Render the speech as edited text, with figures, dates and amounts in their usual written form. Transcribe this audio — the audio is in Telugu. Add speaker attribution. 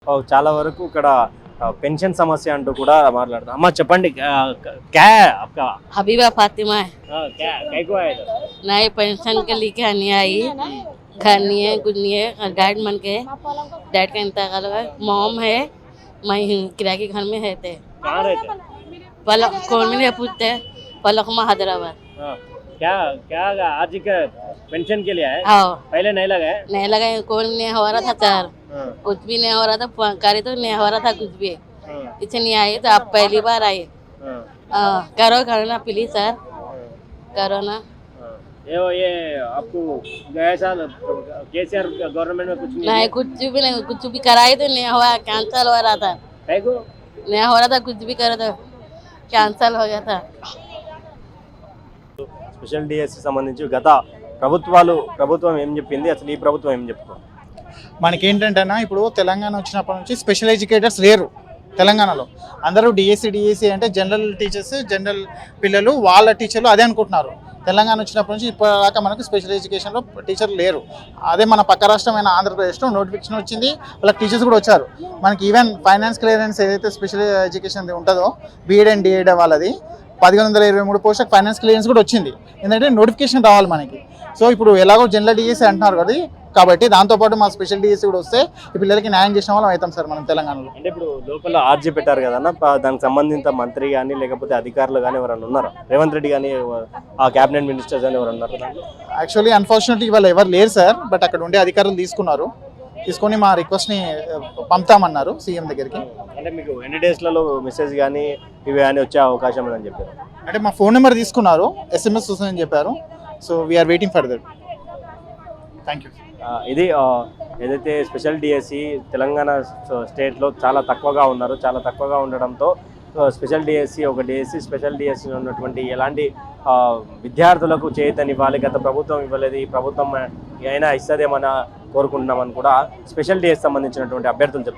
Speaker 1: చాలా వరకు ఇక్కడ పెన్షన్ సమస్య అంటూ కూడా మాట్లాడతాం. అమ్మ చెప్పండి, क्या है आपका?
Speaker 2: हबीबा फातिमा है।
Speaker 1: क्या क्या को आया था?
Speaker 2: नए पेंशन के लिए नहीं आई, घर नहीं है, कुछ नहीं है। डैड मन के डैड का इंतकाल हुआ। मॉम है, मैं किराए के घर में रहते।
Speaker 1: कहाँ रहते?
Speaker 2: पलक कौन में पूछते पलकमा हैदराबाद।
Speaker 1: क्या क्या आज का पेंशन के लिए है?
Speaker 2: आओ
Speaker 1: पहले नहीं लगा है?
Speaker 2: नहीं लगा, कौन नहीं हो रहा था सर, कुछ भी नहीं हो रहा था, करे तो नहीं हो रहा था कुछ भी। इसे नहीं आई तो आप पहली बार आए। करो करो ना प्लीज सर, करो ना।
Speaker 1: ये आपको गए साल केसीआर गवर्नमेंट में कुछ
Speaker 2: नहीं, कुछ भी कराए तो नहीं हुआ, कैंसल हो रहा था।
Speaker 1: है को?
Speaker 2: नहीं हो रहा था, कुछ भी करे तो कैंसल हो गया था।
Speaker 1: స్పెషల్ డిఎస్సి సంబంధించి గత ప్రభుత్వం ఏం చెప్పింది, అసలు ఈ ప్రభుత్వం ఏం చెప్తుంది?
Speaker 3: మనకేంటంటేనా ఇప్పుడు తెలంగాణ వచ్చినప్పటి నుంచి స్పెషల్ ఎడ్యుకేటర్స్ లేరు తెలంగాణలో. అందరూ డిఎస్సి అంటే జనరల్ టీచర్స్, జనరల్ పిల్లలు, వాళ్ళ టీచర్లు అదే అనుకుంటున్నారు. తెలంగాణ వచ్చినప్పటి నుంచి ఇప్పటిదాకా మనకు స్పెషల్ ఎడ్యుకేషన్లో టీచర్లు లేరు. అదే మన పక్క రాష్ట్రమైన ఆంధ్రప్రదేశ్లో నోటిఫికేషన్ వచ్చింది, వాళ్ళకి టీచర్స్ కూడా వచ్చారు. మనకి ఈవెన్ ఫైనాన్స్ క్లియరెన్స్ ఏదైతే స్పెషల్ ఎడ్యుకేషన్ ఉంటుందో బీఎడ్ అండ్ డిఎడ్ వాళ్ళది 1123 పోస్టులకు ఫైనాన్స్ క్లియరెన్స్ కూడా వచ్చింది. ఎందుకంటే నోటిఫికేషన్ రావాలి మనకి. సో ఇప్పుడు ఎలాగో జనరల్ డిఎస్సి అంటున్నారు కదా, కాబట్టి దాంతోపాటు మా స్పెషల్ డిఎస్సి కూడా వస్తే ఈ పిల్లలకి న్యాయం చేసిన వాళ్ళం అవుతాం సార్ మనం తెలంగాణలో.
Speaker 1: అంటే ఇప్పుడు లోపల ఆర్జీ పెట్టారు కదన్న, దానికి సంబంధించిన మంత్రి కానీ లేకపోతే అధికారులు కానీ ఎవరైనా ఉన్నారా? రేవంత్ రెడ్డి కానీ ఆ క్యాబినెట్ మినిస్టర్స్ కానీ ఎవరు ఉన్నారు?
Speaker 3: యాక్చువల్లీ అన్ఫార్చునేట్లీ ఇవాళ ఎవరు లేరు సార్, బట్ అక్కడ ఉండే అధికారులు తీసుకొని మా రిక్వెస్ట్ని పంపుతామన్నారు సీఎం దగ్గరికి.
Speaker 1: అంటే మీకు ఎన్ని డేస్లలో మెసేజ్ కానీ ఇవి కానీ వచ్చే అవకాశం ఉందని చెప్పారు?
Speaker 3: అంటే మా ఫోన్ నెంబర్ తీసుకున్నారు, ఎస్ఎంఎస్ వస్తుందని చెప్పారు. So we're waiting for that. Thank you.
Speaker 1: ఇది ఏదైతే స్పెషల్ డిఎస్సి తెలంగాణ స్టేట్లో చాలా తక్కువగా ఉన్నారు. చాలా తక్కువగా ఉండడంతో స్పెషల్ డిఎస్సి స్పెషల్ డిఎస్సి ఉన్నటువంటి ఎలాంటి విద్యార్థులకు చేతనివ్వాలి, గత ప్రభుత్వం ఇవ్వలేదు, ఈ ప్రభుత్వం అయినా ఇస్తుందేమని కోరుకుంటున్నామని కూడా స్పెషల్ డిఎస్సి సంబంధించినటువంటి అభ్యర్థులు చెప్తారు.